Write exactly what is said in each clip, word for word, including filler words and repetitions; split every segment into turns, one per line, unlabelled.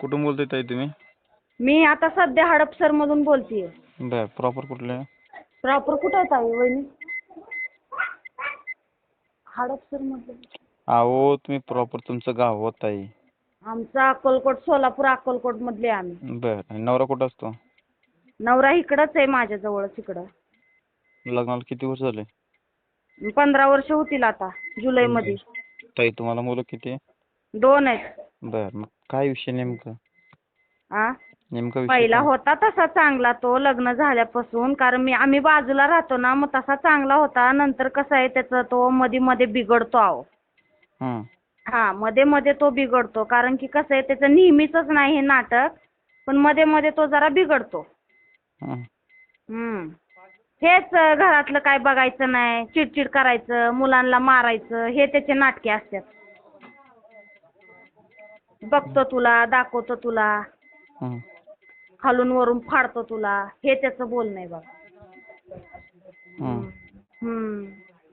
कुठून बोलताय ताई तुम्ही?
मी आता सध्या हडपसर मधून बोलतीये.
बर प्रॉपर कुठले?
प्रॉपर कुठं आहे ताई वहिनी? हडपसर मध्ये.
अहो तुम्ही प्रॉपर तुमचं गाव हो ताई.
आमचा अक्कलकोट, सोलापूर अक्कलकोट मधले आम्ही.
बर आणि नवरा कुठं असतो?
नवरा इकडंच आहे माझ्या जवळच इकडं.
लग्नाला किती वर्ष झाले?
पंधरा वर्ष होतील आता जुलै मध्ये.
ताई तुम्हाला मुलं किती आहे?
दोन आहेत.
बर मग काय विषय नेमकं?
आ
नेमका विषय
पहिला
काय?
होता तसा चांगला तो लग्न झाल्यापासून, कारण मी आम्ही बाजूला राहतो ना, मग तसा चांगला होता. नंतर कसं आहे त्याचा तो मध्ये मध्ये बिघडतो अहो.
हं.
हा मध्ये मध्ये तो बिघडतो, कारण की कसं आहे त्याचं नेहमीचंच नाही हे नाटक, पण मध्ये मध्ये तो जरा बिघडतो.
हं.
हम्म हेच अं, घरातलं काय बघायचं नाही, चिडचिड करायचं, मुलांना मारायचं, हे त्याचे नाटके असतात. बघतो तुला, दाखवतो तुला,
हं.
खालून वरून फाडतो तुला, हे त्याचं बोलणं आहे बघा.
हं.
हम्म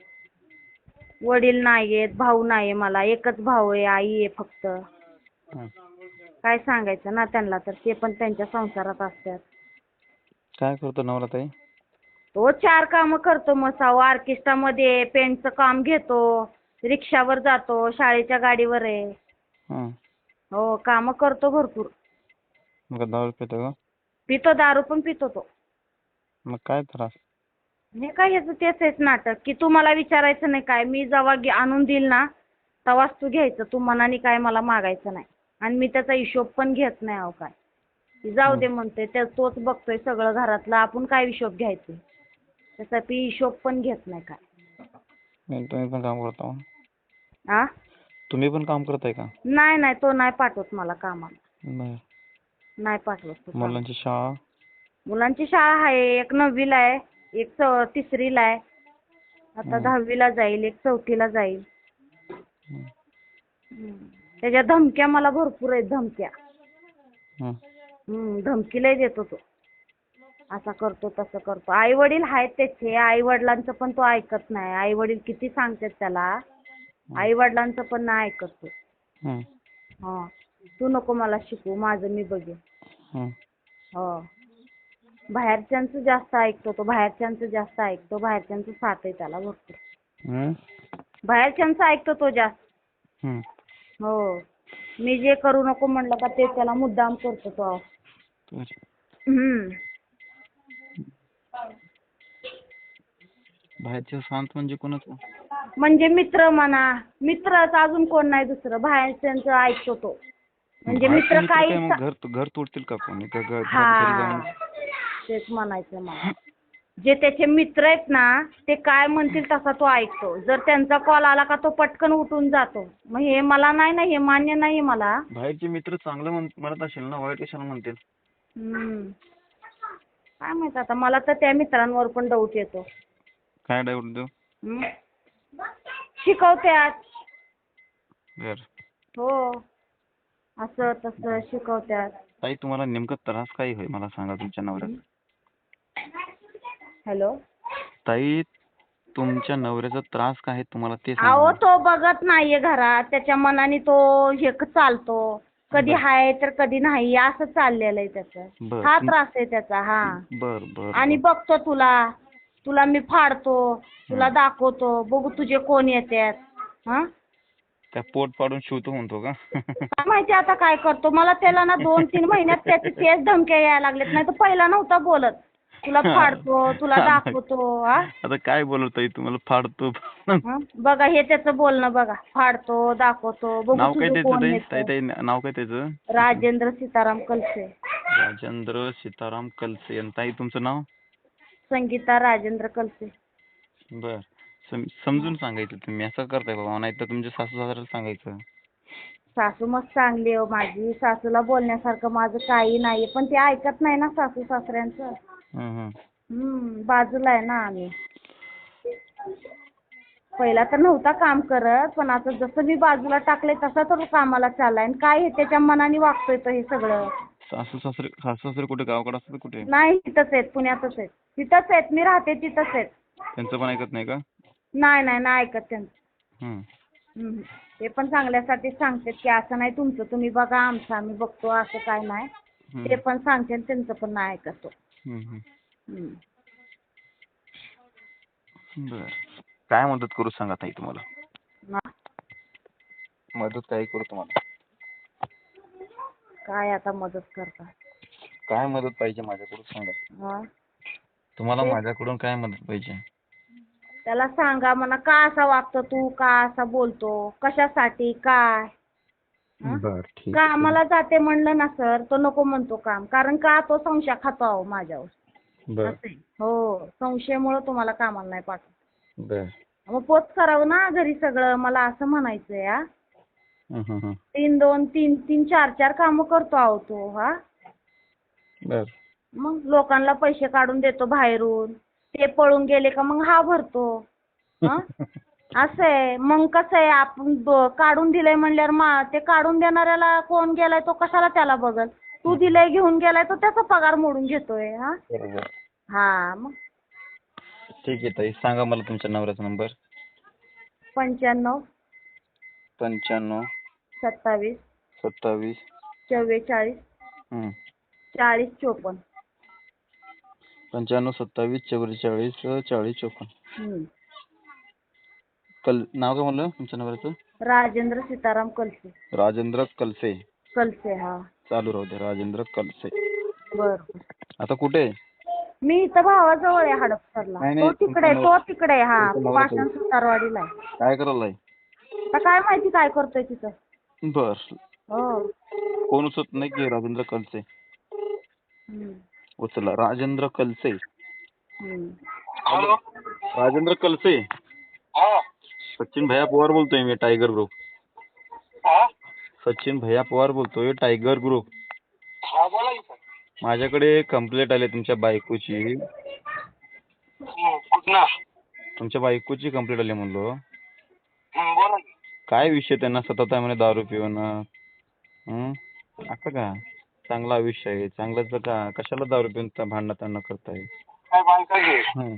वडील नाहीयेत, भाऊ नाहीये, मला एकच भाऊ आहे, आई आहे फक्त.
हं.
काय सांगायचं ना त्यांना, तर ते पण त्यांच्या संसारात असतात.
काय करतो नवरा ताई?
तो चार कामं करतो मसाव, ऑर्केस्ट्रामध्ये पेंटचं काम घेतो, रिक्षावर जातो, शाळेच्या गाडीवर आहे.
हं.
हो कामं करतो भरपूर.
मग दारू पितो का?
पितो, दारू पण पितो तो.
मग काय त्रास?
हे काय याचं तेच आहेच नाटक, की तू मला विचारायचं नाही काय, मी जेव्हा घे- आणून देईल ना तेव्हाच तू घ्यायचं, तू मनाने काय मला मागायचं नाही. आणि मी त्याचा हिशोब पण घेत नाही अहो काय. की जाऊ दे म्हणते, त्या तोच बघतोय सगळं घरातलं, आपण काय हिशोब घ्यायचे. त्याचा ती हिशोब पण घेत नाही काय.
नाही, तुम्ही पण काम करता?
आ
तुम्ही पण काम करताय का?
नाही नाही, तो नाही पाठवत मला कामाला,
बर.
नाही पाठवत तो कामाला.
मुलांची शाळा?
मुलांची शाळा आहे, एक नववीला आहे, एक चौ तिसरीला आहे, आता
हं.
दहावीला जाईल, एक चौथीला जाईल.
हं.
हम्म. त्याच्या धमक्या मला भरपूर आहेत, धमक्या.
हं.
हम्म धमकी लय देतो तो, असा करतो तसं करतो. आई वडील आहेत त्याचे, आई वडिलांचं पण तो ऐकत नाही. आई वडील किती सांगतात त्याला, आई वडिलांचं पण नाही ऐकत तो.
हं.
हा तू नको मला शिकवू, माझं मी बघेन.
हं.
हो बाहेरच्यांचं जास्त ऐकतो तो, बाहेरच्यांचं जास्त ऐकतो, बाहेरच्यांचं साथ आहे त्याला भरपूर.
हं.
बाहेरच्यांचं ऐकतो तो जास्त.
हं.
हो मी जे करू नको म्हणलं का ते त्याला मुद्दाम करतो तो.
बर.
हम्म
बाहेरच्या शांत म्हणजे कोणाचं?
म्हणजे मित्र म्हणा, मित्रच, अजून कोण नाही दुसरं. बाहेरच्यांचं ऐकतो तो, म्हणजे
बाहेरचे
मित्र
मित्र
काही
काय मग घर घर तोडतील का कोणी? का घ- घरात घरी जाऊन?
हा तेच म्हणायचं मला. जे त्याचे मित्र आहेत ना ते काय म्हणतील तसा तो ऐकतो. जर त्यांचा कॉल आला का तो पटकन उठून जातो. मग हे मला नाही ना, हे मान्य नाही मला.
बाहेरचे मित्र चांगलं म्हण- म्हणत असेल ना, वाईट कशाला म्हणतील?
हम्म काय माहित आता, मला तर त्या मित्रांवर पण डाऊट येतो.
काय डाऊट देऊ?
हम्म. शिकवत्यात.
बर.
हो असं तसं शिकवत्यात.
ताई तुम्हाला नेमका त्रास काय होय मला सांगा तुमच्या नवऱ्याचा?
हॅलो
ताई तुमच्या नवऱ्याचा त्रास काय आहे तुम्हाला ते
अहो
सांगा.
तो बघत नाहीये घरात, त्याच्या मनाने तो हे क- चालतो. कधी
बर.
हाय तर कधी नाही, असं चाललेलं आहे त्याचं.
बर.
हा
तुम-
त्रास आहे त्याचा. हा
बर बर
आणि
बर.
बघतो तुला, तुला मी फाडतो, तुला
हं.
दाखवतो, बघू तुझे कोण येतात. हा
त्या पोट पाडून शिवतो म्हणतो का?
काय माहिती आता काय करतो. मला त्याला ना दोन तीन महिन्यात त्याचे तेच धमक्या यायला लागलेत, नाही तर पहिला नव्हता बोलत. तुला फाडतो, तुला दाखवतो. हा
आता काय बोलत ताई तुम्हाला फाडतो?
हं? बघा हे त्याचं बोलणं बघा, फाडतो, दाखवतो, बघू
नाव काय
तुझं
त्याचं
कोण
ताई?
येतं.
ताई ताई नाव काय त्याचं?
राजेंद्र सीताराम कलसे.
राजेंद्र सीताराम कलसे. आणि ताई तुमचं नाव?
संगीता राजेंद्र कलसे.
बर. सम- समजून सांगायचं तुम्ही, असं करताय बाबा, नाही तर तुमच्या सासू सासऱ्याला सांगायचं.
सासू मस्त चांगली आहे माझी, सासूला बोलण्यासारखं माझं काही नाही, पण ते ऐकत नाही ना सासू सासऱ्यांचं.
हं हं.
हम्म बाजूला आहे ना आम्ही. पहिला तर नव्हता काम करत, पण आता जसं मी बाजूला टाकले तसा तर कामाला चाललाय. आणि काय हे त्याच्या मनाने वागतोय तो हे सगळं.
सासू सासरे सासू सासरे कुठे गावाकडे असतात कुठे?
नाही तिथंच आहेत, पुण्यातच आहेत. तिथंच आहेत, मी राहते तिथंच आहेत.
त्यांचं पण ऐकत नाही का?
नाही नाही नाही ऐकत त्यांचं.
हं.
हम्म. ते पण चांगल्यासाठी सांगतात की असं नाही तुमचं तुम्ही बघा आमचं आम्ही बघतो असं काय नाही. ते
हम्म.
पण सांगते आणि त्यांचं पण नाही ऐकत तो.
हम्म, हम्म.
हम्म.
बर, काय मदत करू सांगा ताई तुम्हाला?
ना-
मदत काय करू तुम्हाला?
काय आता मदत करता?
काय मदत पाहिजे माझ्याकडून सांगा.
हा.
तुम्हाला
तेच.
माझ्याकडून काय मदत पाहिजे?
त्याला सांगा म्हणा का असा वागतो तू, का असा बोलतो, कशासाठी, काय? हं?
बर, ठीक आहे.
कामाला जाते म्हणलं ना सर, तो नको म्हणतो काम. कारण का तो संशय खातो अहो माझ्यावर.
बर,
असं आहे. हो, संशयामुळे तुम्हाला कामाला नाही पाठवत.
बर.
मग पोच करावं ना घरी सगळं, मला असं म्हणायचंय हा.
हम्म, हम्म, हम्म.
तीन दोन तीन तीन चार चार कामं करतो अहो तो हा.
बर.
मग लोकांना पैसे काढून देतो बाहेरून, ते पळून गेले का मग हा भरतो. हं? असं आहे. मग कसं आहे आपण ब- काढून दिलंय म्हणल्यावर मा ते काढून देणाऱ्याला कोण गेलाय तो कशाला त्याला बघल. तू दिलंय घेऊन गेलाय तो त्याचा पगार मोडून घेतोय हा.
बरोबर.
हा मग
ठीक आहे ताई, सांगा मला तुमच्या नवऱ्याचा नंबर.
पंच्याण्णव
पंच्याण्णव
सत्तावीस
सत्तावीस
चव्वेचाळीस
हम्म.
चाळीस चोपन्न.
पंच्याण्णव सत्तावीस चव्वेचाळीस चाळीस चोपन्न.
हम्म.
कल नाव काय म्हणलं तुमच्या नवऱ्याचं?
राजेंद्र सीताराम कलसे.
राजेंद्र कलसे.
कलसे हा.
चालू राहू दे, राजेंद्र कलसे.
बर बर.
आता कुठे आहे?
मी इथं भावाजवळ आहे हडपसरला.
नाही,
तो
नाही,
तिकडे आहे,
तुमचा
तो तिकडे आहे हा.
तुमचा नवरा
पाषाण सुतारवाडीला आहे.
काय करायलाय?
आता काय माहिती काय करतोय तिथं.
बर.
हो.
फोन उचलत नाही की राजेंद्र कलसे?
हम्म.
उचला. राजेंद्र कलसे.
हम्म.
हॅलो, राजेंद्र कलसे.
हा.
सचिन भैया पवार बोलतोय मी, टायगर ग्रुप.
हा.
सचिन भैया पवार बोलतोय, टायगर ग्रुप.
हा बोला की सर.
माझ्याकडे कंप्लेंट आली तुमच्या बायकोची.
हम्म, कुठनं?
तुमच्या बायकोची कंप्लेंट आली म्हणलो.
हम्म, बोला की.
काय विषय त्यांना सतत आहे म्हणे दारू पिऊन. हं? असं का? चांगलं आयुष्य आहे, चांगलंच का कशाला दारू पिऊन त्या भांडणं त्यांना करताय?
काय बायका घे.
हं.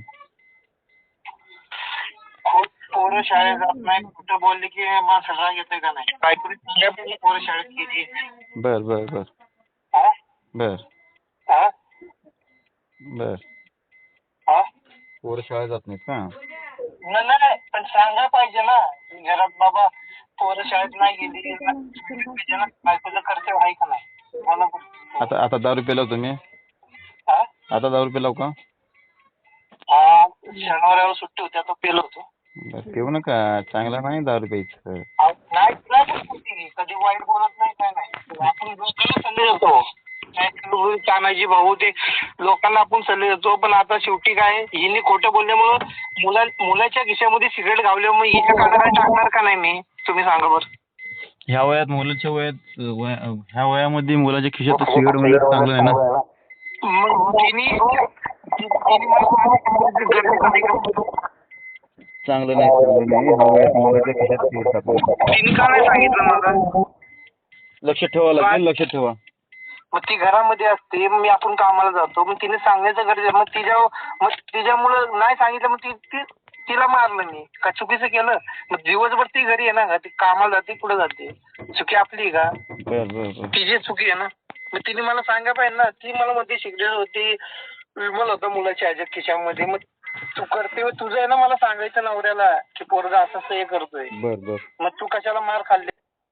खूप पोरं शाळेत जात नाही, कुठं बोलले की माणसाला राग येतोय का नाही? बायकोने सांगा पाहिजे पोरं शाळेत गेली.
बर बर बर
हा?
बर
हा?
बर.
हा?
पोरं शाळेत जात नाहीत का?
नाही नाही, पण सांगा पाहिजे ना घरात बाबा पोरं शाळेत नाही गेली पाहिजे ना. बायकोचं कर्तव्य आहे का नाही? बोला बरं.
आता आता दारू पिलाव तुम्ही?
हा?
आता दारू पिलाव का?
हा, शनिवारावर सुट्टी होती आता पेलो होतो.
बर, पिऊ नका, चांगलं नाही दारू प्यायचं.
नाही नाही बोलतो ती. कधी वाईट बोलत नाही काय नाही. आपण लोकांना सल्ले देतो. तानाजी भाऊ ते लोकांना आपण सल्ले देतो, पण आता शेवटी काय हिने खोटं बोलल्यामुळं मुला मुलाच्या खिशामध्ये सिगरेट घावल्यामुळे हिच्या कानाला टाकणार का नाही मी? तुम्ही सांगा बरं.
ह्या वयात मुलाच्या वयात वया- ह्या वयामध्ये मुलाच्या खिशात सिगारेट म्हणजे चांगलं आहे ना?
मग तिने तिने मला सांगितलं गरजेचं आहे का?
चांगलं नाही, चांगलं नाही. ह्या वयात मुलाच्या खिशात सिगारेट टाकणं.
तिने का नाही सांगितलं मला?
लक्षात ठेवा लागेल, लक्षात ठेवा.
मग ती घरामध्ये असते, मग मी आपण कामाला जातो, मग तिने सांगायचं गरजेचं. मग तिच्या मग तिच्यामुळं नाही सांगितलं, मग ती ती- तिला मारलं मी का चुकीचं केलं? मग दिवसभर ती घरी आहे ना, ती कामाला जाते, कुठं जाते? चुकी आपली आहे का?
बर बर बर
तिची चुकी आहे ना. मग तिने मला सांगा पाहिजे ना. ती मला मध्ये सिगरेट होती, विमल होता मुलाच्या ह्याच्यात खिशामध्ये. मग तू करते तुझं आहे ना, मला सांगायचं नवऱ्याला की पोरगा असं असं हे करतोय.
बर बर
मग तू कशाला मार खाल्ली?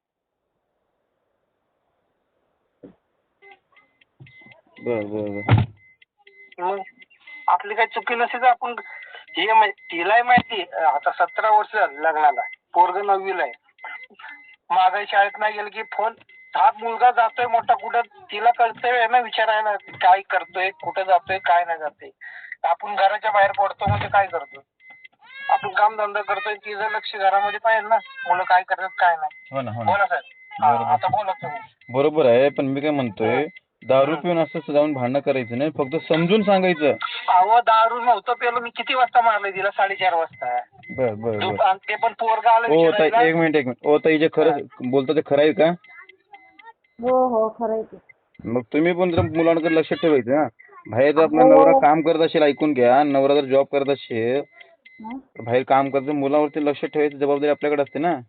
बर बर बर
मग आपली काही चुकी नसेल तर आपण हे माहि- तिलाही माहिती आता सतरा वर्ष झाली लग्नाला, पोरग नववीला आहे. मागे शाळेत नाही गेलं की फोन, हा मुलगा जातोय मोठा कुठं, तिला कळतंय ना विचारायला काय करतोय, कुठं जातोय, काय नाही जातोय. आपण घराच्या बाहेर पडतो म्हणजे काय करतो, आपण काम धंदा करतोय, तिचं लक्ष घरामध्ये पाहिजे ना, मुलं काय करतात काय नाही.
हो ना, हो ना.
बोला साहेब. हा, आता बोला तुम्ही.
बरोबर आहे, पण मी काय म्हणतोय, दारू पिऊन असं जाऊन भांडणं करायचं नाही, फक्त समजून सांगायचं.
अहो दारू नव्हतं पेलो मी. किती वाजता मारलंय तिला? साडेचार वाजता.
बर बर बर
दुप- आणि ते पण पोरगा आलं
ओ ताई,
विचारायला.
एक मिनिट एक मिनिट. ओ ताई, जे खरं बोलतो ते खरं आहे का?
हो हो खरं आहे ते.
मग तुम्ही पण जर मुलांकडे लक्ष ठेवायचं ना. बाहेर जर आपला
हो.
नवरा काम करत असेल, ऐकून घ्या, नवरा जर जॉब करत असेल,
हं?
बाहेर काम करत, मुलावरती लक्ष ठेवायची जबाबदारी आपल्याकडे असते ना.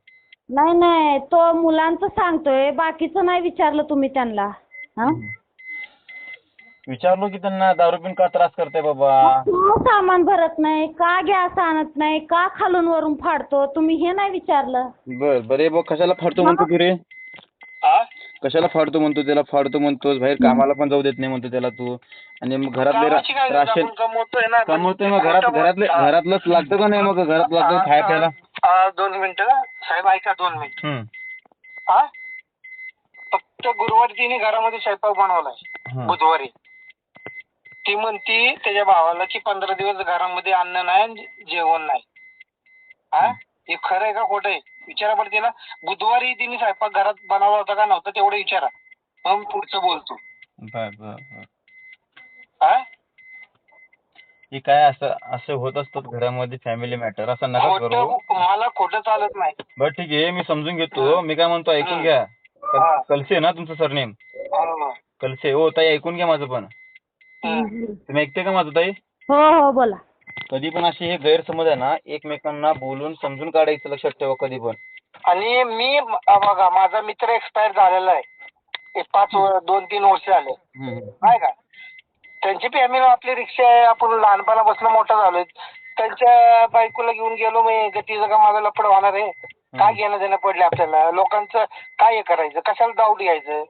नाही नाही तो मुलांचं सांगतोय, बाकीचं नाही विचारलं तुम्ही त्यांना. हा
विचारलो की त्यांना दारू पिऊन का त्रास करताय बाबा.
का सामान भरत नाही, का गॅस आणत नाही, का खालून वरून फाडतो, तुम्ही हे नाही विचारलं.
बर बरे बघ कशाला फाडतो म्हणतो तू रे.
हा?
कशाला फाडतो म्हणतो त्याला, फाडतो म्हणतोस, बाहेर कामाला पण जाऊ देत नाही म्हणतो त्याला तू. आणि मग घरातले
कामाची काय
रा-
गरज,
राशन
आपण कमवतोय ना.
कमवतोय मग घरात घरातले घरातलंच लागतं का नाही, मग घरात लागतं खाय प्यायला.
हा, दोन मिनिटं साहेब ऐका, दोन मिनिट.
हम्म.
हा, फक्त गुरुवारी तिने घरामध्ये स्वयंपाक बनवलाय.
हं.
बुधवारी ती म्हणती त्याच्या भावाला की पंधरा दिवस घरामध्ये अन्न नाही आणि जेवण नाही. हा, हे खरं आहे का खोटं आहे विचारा बरं तिला. बुधवारी तिने स्वयंपाक घरात बनवला होता का नव्हता तेवढं विचारा, मग पुढचं बोलतो.
बर बर बर.
हा,
हे काय असं असं होत असतं घरामध्ये, फॅमिली मॅटर असं नका करू.
खोटं मला खोटं चालत नाही.
बरं ठीक आहे मी समजून घेतो. मी काय म्हणतो ऐकून घ्या.
हा.
कल- कलसे ना तुमचं सरनेम,
हा.
कलसे. हो ताई ऐकून घ्या माझं पण.
हम्म.
तुम्ही ऐकते का माझं ताई.
हो हो बोला.
कधी पण असे हे गैरसमज आहे ना, एकमेकांना बोलून समजून काढायचं, लक्षात ठेवा कधी पण.
आणि मी अ, बघा माझा मित्र एक्सपायर झालेला आहे. एक पाच व- दोन तीन वर्ष झाले.
हम्म.
नाही का, त्यांची फॅमिली आपली रिक्षा आहे, आपण लहानपणापासून मोठं झालोय. त्यांच्या बायकोला घेऊन गेलो मी, तिचं का माझं लफड होणार आहे. काय घेणं देणं पडले आपल्याला, लोकांचं काय हे करायचं, कशाला डाऊट घ्यायचं.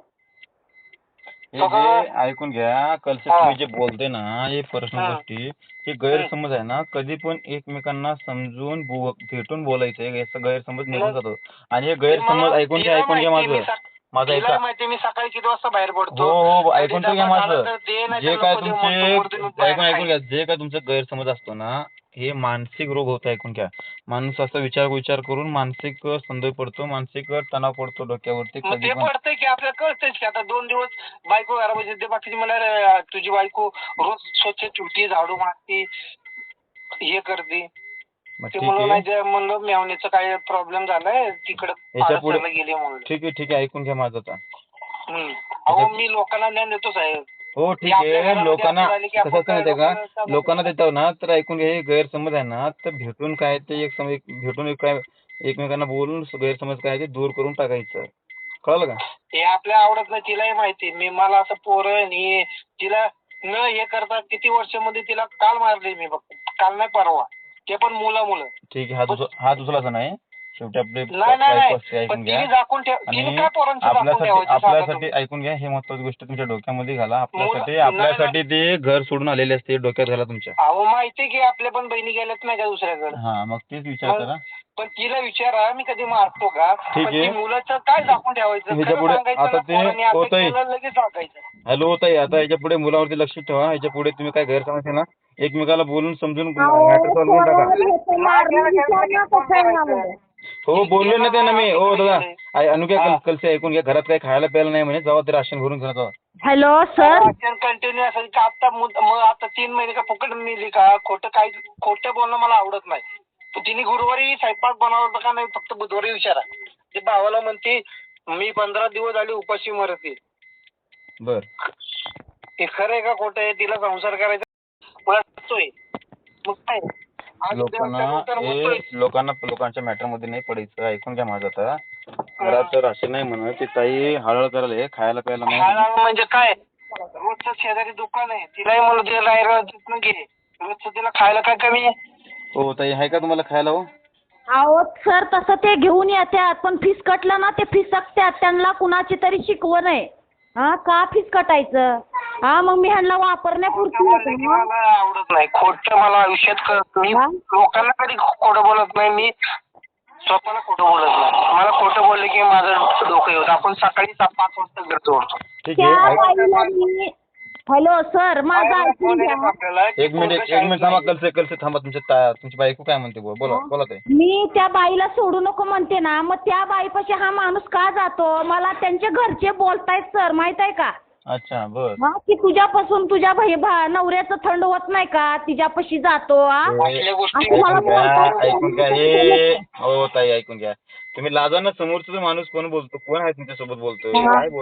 हे जे ऐकून घ्या, कलसे
हा.
तुम्ही जे बोलते ना, हे पर्सनल
हा.
गोष्टी, हे गैरसमज आहे ना, कधी पण एकमेकांना समजून बो- भेटून बोलायचं. याचा गैरसमज निघून जातो. आणि हे गैरसमज
मला-
ऐकून घ्या,
तिला
ऐकून घ्या
माहिती, मी
माझं
सक-
माझं
तिला
ऐका.
माहिती मी सकाळी किती वाजता बाहेर पडतो.
हो हो
कधी
ऐकून तर घ्या
डबा
माझं.
झाला तर दे, नाही
जे
तर
काय
नको दे,
तुमचे
म्हणतो, वरती मी बाहेर
ऐकून ऐकून
खाईन.
घ्या, जे काय तुमचं गैरसमज असतो ना, हे मानसिक रोग होतो. ऐकून घ्या. माणूस असा विचार विचार करून मानसिक संदेह पडतो, मानसिक तणाव पडतो डोक्यावरती
मग
कधी
ते
पण.
पडतंय की आपल्याला कळतंयच की आता दोन दिवस बायको घरामध्ये ते बाकीची मला रे, तुझी बायको रोज स्वच्छ ठेवती, झाडू मारती, हे करते.
मग
ते
ठीक
म्हणलं
आहे
नाही ते म्हणलं मेवण्याचा काय प्रॉब्लेम झालाय तिकडे
याच्या पुढे
गेली म्हणलं.
ठीक आहे ठीक आहे ऐकून घ्या माझं आता.
हम्म. अहो मी लोकांना ज्ञान देतो साहेब.
हो ठीक
आपल्या
आहे.
घरामध्ये
लोकांना
असं झालं की आपण
कसं
काय
माहितीये का,
लोकांना
लोकांना देतो ना, तर ऐकून घ्या. हे गैरसमज आहे ना, तर भेटून काय ते एक समज भेटून एक काय एकमेकांना बोलून गैरसमज काय ते दूर करून टाकायचं. कळलं का.
हे आपल्या आवडत नाही, तिलाही माहिती. मी मला असं पोरं आणि तिला न हे करता किती वर्षामध्ये तिला काल मारली मी, फक्त काल नाही परवा, ते पण मुलं मुलं.
ठीक आहे. हा दुसरा हा दुसराचा नाही. शेवटी आपले
नाही नाही
बायको
नाही
असते.
पण
ऐकून घ्या.
तिने झाकून ठेव, तिने
आणि
काय पोरांचं झाकून
आपल्यासाठी
ठेवायचं सांगा
आपल्यासाठी
तुम्ही?
ऐकून घ्या, हे महत्वाची गोष्ट तुमच्या डोक्यामध्ये घाला. आपल्यासाठी
मुलं-
आपल्यासाठी ते घर सोडून आलेले असते, डोक्यात घाला तुमच्या.
अहो माहिती की आपल्या पण बहिणी गेल्यात नाही का दुसऱ्याकडे.
हा मग तेच विचार
मग
करा.
पण तिला विचारा मी कधी मारतो का,
ठीक
पण
आहे.
ती मुलाचं काय झाकून ठेवायचं,
ह्याच्या
खरं
पुढे
सांगायचं
आता
ना,
ते
पोरांनी अभ्यास
होतंय.
केला लगेच सांगायचं.
हॅलो ताई, आता याच्या पुढे मुलावरती लक्ष ठेवा. याच्या पुढे तुम्ही काय गैरसमज आहे ना, एकमेकाला बोलून समजून
अहो,
मॅटर सॉल्व्ह करून टाका.
पोराला घेतो मारून, विचार ना कसं आहे ना म्हणजे.
हो बोललो ना त्यांना मी. हो दादा आय- अनुक्या कल कलसे ऐकून घ्या. घरात काही खायला प्यायला नाही म्हणे, जावा ते राशन भरून घ्या जावा.
Hello sir.
कंटिन्यू असेल का आता मुद- मग आता तीन महिने का फुकट मिळली का, खोटं काय खोटं बोलणं मला आवडत नाही. तर तिने गुरुवारी स्वयंपाक बनवला होता का नाही फक्त बुधवारी विचारा. ते भावाला म्हणते मी पंधरा दिवस झाले उपाशी मरते.
बर
हे खरं आहे का खोटं आहे, तिला संसार करायचा वाटतोय. मग काय आज
लोकांना
देवाच्या नंतर
हे
म्हणतोय.
लोकांना लोकांच्या मॅटर मध्ये नाही पडायचं. ऐकून घ्या माझं आता. घरात राशन नाही म्हणत ती ताई हळहळ करायला हे खायला प्यायला नाही.
खायला म्हणजे काय, रोजचं शेजारी दुकान आहे, तिलाही म्हणून ते रायरा तिथनं घे, रोजचं तिला खायला काय कमी आहे.
हो ताई आहे का तुम्हाला खायला. हो
अहो सर तसं ते घेऊन येतात, पण फीस कटलं ना ते फिसकतात. त्यांना कुणाची तरी शिकवण आहे. हा का फीस कटायचं. हा मग मी ह्यांना वापरण्यापुरती
खोटं बोललं की
होतं.
मला आवडत नाही. खोटं मला आयुष्यात कळत. मी
हा?
लोकांना कधी खोटं बोलत नाही. मी स्वतःला खोटं बोलत नाही. मला खोटं बोलले की माझं डोकं येतं. आपण सकाळी सात पाच वाजता घर सोडतो.
ठीक
त्या
आहे. ऐक-
बाईला मी हॅलो सर माझं ऐकून घ्या.
आपल्याला
एक मिनिट एक मिनिट थांबा. कलसे कलसे थांबा. तुमच्या ता- तुमची बायको काय म्हणते बोला बोला बोला ताई.
मी त्या बाईला सोडू नको म्हणते ना, मग त्या बाईपाशी हा माणूस का जातो. मला त्यांचे घरचे बोलतायत सर, माहित आहे का.
अच्छा बर.
हा की तुझ्यापासून तुझ्या भाई भा नवऱ्याचं थंड होत नाही का, तिच्यापाशी जातो. हा
असल्या गोष्टी
असं मला
ऐकून घ्या
बोलतायत.
ऐकून घ्या हे हो ताई ऐकून घ्या. तुम्ही लाजा ना, समोरचा माणूस कोण बोलतो, कोण आहे तुमच्या सोबत बोलतोय, काय बोल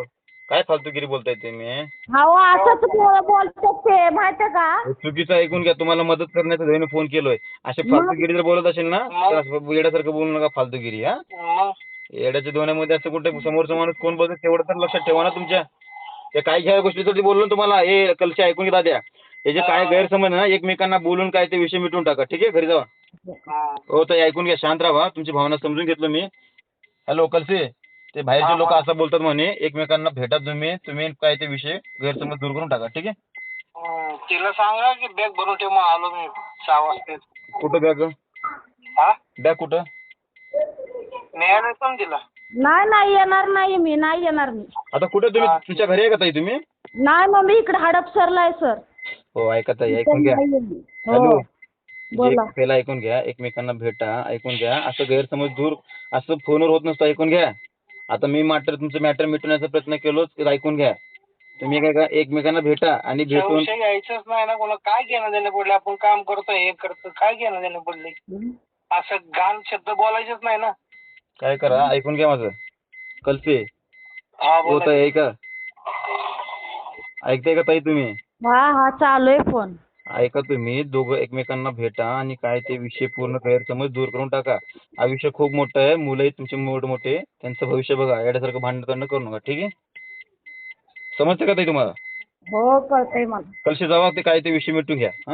काय फालतूगिरी बोलताय तुम्ही?
हो असंच बो- बोलतात ते माहितीये का?
चुकीचं ऐकून घ्या. तुम्हाला मदत करण्याचा ध्येयाने फोन केलोय. असे
मग
फालतूगिरी जर बोलत असेल ना
मग?
तर असं वेड्यासारखं बोलू नका फालतूगिरी. हा
मग
येड्याच्या दोन्यामध्ये असं कुठे समोरचा माणूस कोण बोलतो तेवढं तर लक्षात ठेवा ना तुमच्या. ते काही घ्या गोष्टीचं ते बोललो ना तुम्हाला हे कलशी ऐकून घ्या द्या. हे जे काय गैरसमज आहे ना एकमेकांना बोलून काय ते विषय मिटून टाका. ठीक आहे घरी जावा.
हा.
हो ताई ऐकून घ्या शांत राहा. तुमची भावना समजून घेतलो मी. हॅलो कलसे ते बाहेरचे लोक असं बोलतात म्हणे एकमेकांना भेटा तुम्ही तुम्ही काय ते विषय गैरसमज दूर करून टाका. ठीक आहे.
हम्म, तिला सांगा की बॅग भरून ठेव मग आलो मी सहा वाजता.
कुठं बॅग
हा
बॅग कुठं
न्यायला येतो ना तिला.
नाही नाही येणार नाही मी नाही येणार मी
आता कुठे तुम्ही
हा.
तुमच्या घरी आहे का ताई तुम्ही?
नाही मग मी इकडे हडपसरला आहे सर.
हो ऐका ताई ऐकून घ्या.
हो
हॅलो
बोला.
एक पहिला ऐकून घ्या एकमेकांना भेटा ऐकून घ्या असं गैरसमज दूर असं फोनवर होत नसतं ऐकून घ्या. आता मी मॅटर तुमचं मॅटर मिटवण्याचा प्रयत्न केलो ते ऐकून घ्या. तुम्ही काय करा एकमेकांना भेटा आणि भेटून
विषय यायचंच नाही ना कोणा काय घेणं देणं पडले आपण काम करतो हे करतो काय घेणं देणं पडले असं घाण शब्द बोलायचेच नाही ना.
काय करा ऐकून घ्या माझं कल्पे
हा
हो
बोला.
ताई ऐका ऐकताय का ताई तुम्ही?
हा हा चालू आहे फोन.
ऐका तुम्ही दोघं एकमेकांना भेटा आणि काय ते विषय पूर्ण गैरसमज दूर करून टाका. आयुष्य खूप मोठं आहे मुलंही तुमचे मोठ मोठे त्यांचं भविष्य बघा येण्यासारखं भांडण करणं करू नका. ठीक आहे समजतं का ताई तुम्हाला?
हो कळतंय मला.
कलशी जावा ते काय ते विषय मिटून घ्या. हा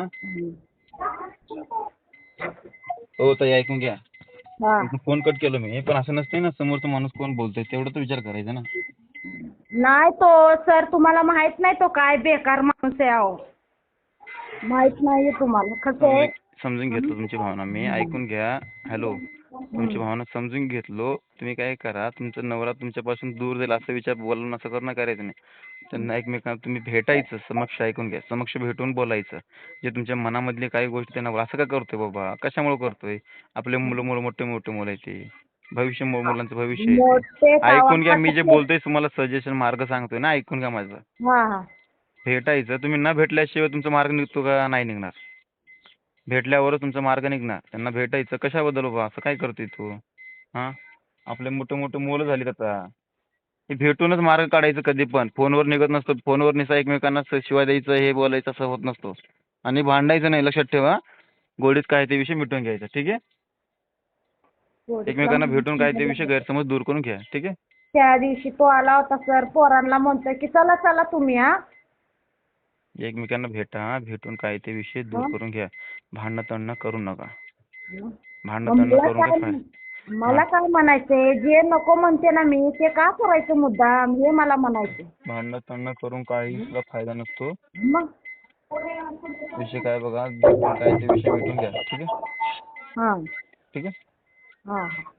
हो ताई ऐकून घ्या.
हा
फोन कट केलो मी पण असं नसतंय ना समोरचा माणूस कोण बोलतोय तेवढं तर विचार करायचा ना.
नाही तो सर तुम्हाला माहित नाही तो काय बेकार माणूस आहे अहो. माहित नाहीये तुम्हाला कसं आहे.
समजून समजून घेतलो तुमची भावना मी ऐकून घ्या. हॅलो तुमची भावना समजून घेतलो. तुम्ही काय करा तुमचा नवरा तुमच्यापासून दूर जाईल असं विचार बोलून असं करणं करायचं नाही. त्यांना एकमेकांना तुम्ही भेटायचं समक्ष ऐकून घ्या समक्ष भेटून बोलायचं. जे तुमच्या मनामधली काही गोष्टी त्यांना असं का करतोय बाबा कशामुळे करतोय आपले मुलं मुलं मोठे मोठे मुलं आहे ते भविष्य मु- मुलांचं भविष्य आहे
मोठे
ते. ऐकून घ्या मी जे
गावात-
बोलतोय तुम्हाला सजेशन मार्ग सांगतोय ना ऐकून घ्या माझं.
हा हा
भेटायचं तुम्ही न भेटल्याशिवाय तुमचा मार्ग निघतो का? नाही निघणार. भेटल्यावरच तुमचा मार्ग निघणार. त्यांना भेटायचं कशाबद्दल बाबा असं काय करतोय तू? हा आपले मोठे मोठे मुलं झालीत आता हे भेटूनच मार्ग काढायचं कधी पण फोनवर निघत नसतो. फोनवर निसा एकमेकांना स- शिवाय द्यायचं हे बोलायचं असं होत नसतो आणि भांडायचं नाही लक्षात ठेवा. गोडीत काय ते विषय मिटवून घ्यायचा. ठीक आहे एकमेकांना भेटून काय ते विषय गैरसमज दूर करून घ्या. ठीक आहे
त्या दिवशी तो आला होता सर पोरांना म्हणतोय की चला चला तुम्ही हा
एकमेकांना भेटा भेटून काय ते विषय दूर
हं?
करून घ्या. भांडणं तंडणं करू नका.
मग
भांडणं तंडणं
मला
करून काय
काय
फायदा?
मला काय म्हणायचंय जे नको म्हणते ना मी ते का करायचं मुद्दाम हे मला म्हणायचं.
भांडणं तंडणं करून काही सुद्धा फायदा नसतो.
मग
विषय काय बघा भेटून काय ते विषय मिटून घ्या. ठीक आहे
हा
ठीक आहे
हा